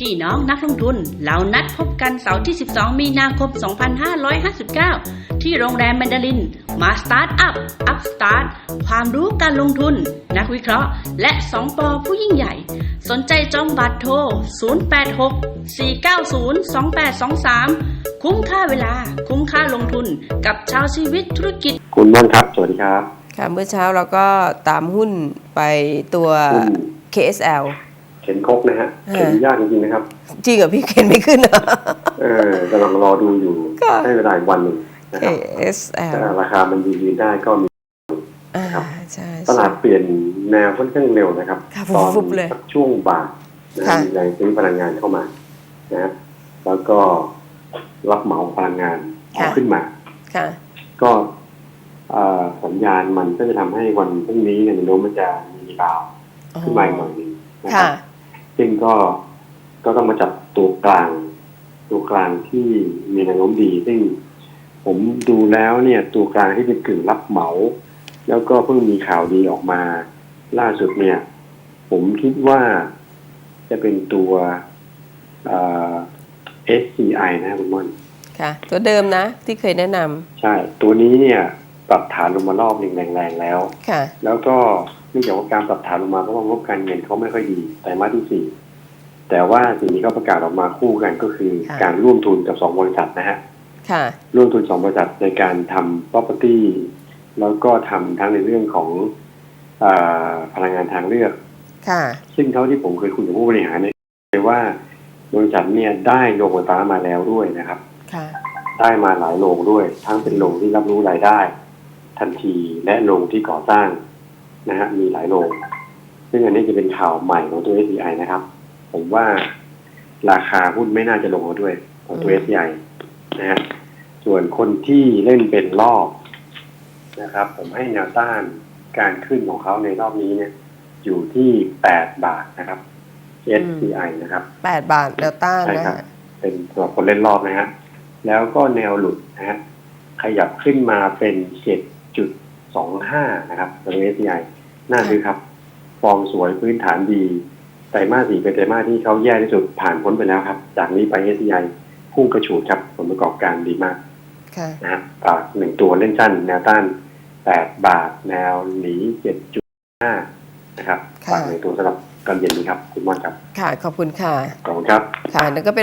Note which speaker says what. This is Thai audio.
Speaker 1: พี่น้องนักลงทุนเรานัดพบกันเสาร์ที่ 12 มีนาคม 2559 ที่โรงแรมแมนดารินมาสตาร์ทอัพสตาร์ทความรู้การลงทุนนักวิเคราะห์และ2 ปผู้ยิ่งใหญ่สนใจจองบัตรโทร 086-490-2823 คุ้มค่าเวลาคุ้มค่าลงทุนกับชาวชีวิตธุรกิจ
Speaker 2: คุณม่อนครับสวัสดีครับ
Speaker 3: ค่ะเมื่อเช้าเราก็ตามหุ้นไปตัว KSL
Speaker 2: เข็นครกนะฮะเข็นยากจริงๆนะครับ
Speaker 3: จริงเหรอพี่เข็นไม่ขึ้นเหร
Speaker 2: อกำลังรอดูอยู่ให้เวลาอีกวันหนึ่งนะครับ
Speaker 3: KSL
Speaker 2: ถ้าราคามันยืนได้ก็มีครับตลาดเปลี่ยนแนวค่อนข้างเร็วนะครับตอนช่วงบ่ายมีแรงซื้อพลังงานเข้ามานะแล้วก็รับเหมาพลังงานขึ้นมาก็สัญญาณมันก็จะทำให้วันพรุ่งนี้เนี่ยแนวโน้มมันจะมีดาวขึ้นมาหน่อยนึงนะครับซึ่งก็ต้องมาจับตัวกลางที่มีแนวโน้มดีซึ่งผมดูแล้วเนี่ยตัวกลางที่เป็นกึ่งรับเหมาแล้วก็เพิ่งมีข่าวดีออกมาล่าสุดเนี่ยผมคิดว่าจะเป็นตัวSCI นะคุณม่อน
Speaker 3: ค่ะตัวเดิมนะที่เคยแนะนำ
Speaker 2: ใช่ตัวนี้เนี่ยปรับฐานลงมารอบหนึ่งแรงๆแล้วแล้วก็เนื่องจากว่าการปรับฐานลงมาเพราะว่างบการเงินเขาไม่ค่อยดีไตรมาสที่4แต่ว่าสิ่งที่เขาประกาศออกมาคู่กันก็คือการร่วมทุนกับ2 บริษัทนะฮะร่วมทุน2 บริษัทในการทำ property แล้วก็ทำทั้งในเรื่องของพลังงานทางเลือกซึ่งเท่าที่ผมเคยคุยกับผู้บริหารเนี่ยเลยว่าบริษัทเนี่ยได้โรงไฟฟ้ามาแล้วด้วยนะครับได้มาหลายโรงด้วยทั้งเป็นโรงที่รับรู้รายได้ทันทีและโรงที่ก่อสร้างนะฮะมีหลายโรงซึ่งอันนี้จะเป็นข่าวใหม่ของตัว SCI นะครับผมว่าราคาหุ้นไม่น่าจะลงแล้วด้วยของตัว SCI นะฮะส่วนคนที่เล่นเป็นรอบนะครับผมให้แนวต้านการขึ้นของเขาในรอบนี้เนี่ยอยู่ที่8 บาทนะครับ SCI นะครับ
Speaker 3: 8 บาทแนวต้านนะ
Speaker 2: เป็นสำหรับคนเล่นรอบนะฮะแล้วก็แนวหลุดนะฮะขยับขึ้นมาเป็น 7.25 นะครับตัว SCI น่าซื้อครับฟอร์มสวยพื้นฐานดีไตรมาส 4เป็นไตรมาสที่เขาแย่ที่สุดผ่านพ้นไปแล้วครับจากนี้ไป SCI พุ่งกระฉูดครับผลประกอบการดีมากนะฮะฝาก1 ตัวเล่นสั้นแนวต้าน8 บาทแนวหนี 7.5 นะครับฝาก1 ตัวสำหรับตอนเย็นนี้ครับคุณม่อนครับ
Speaker 3: ค่ะขอบคุณค่ะ
Speaker 2: ขอบคุณครับ
Speaker 3: ค่ะนั่นก็เป็น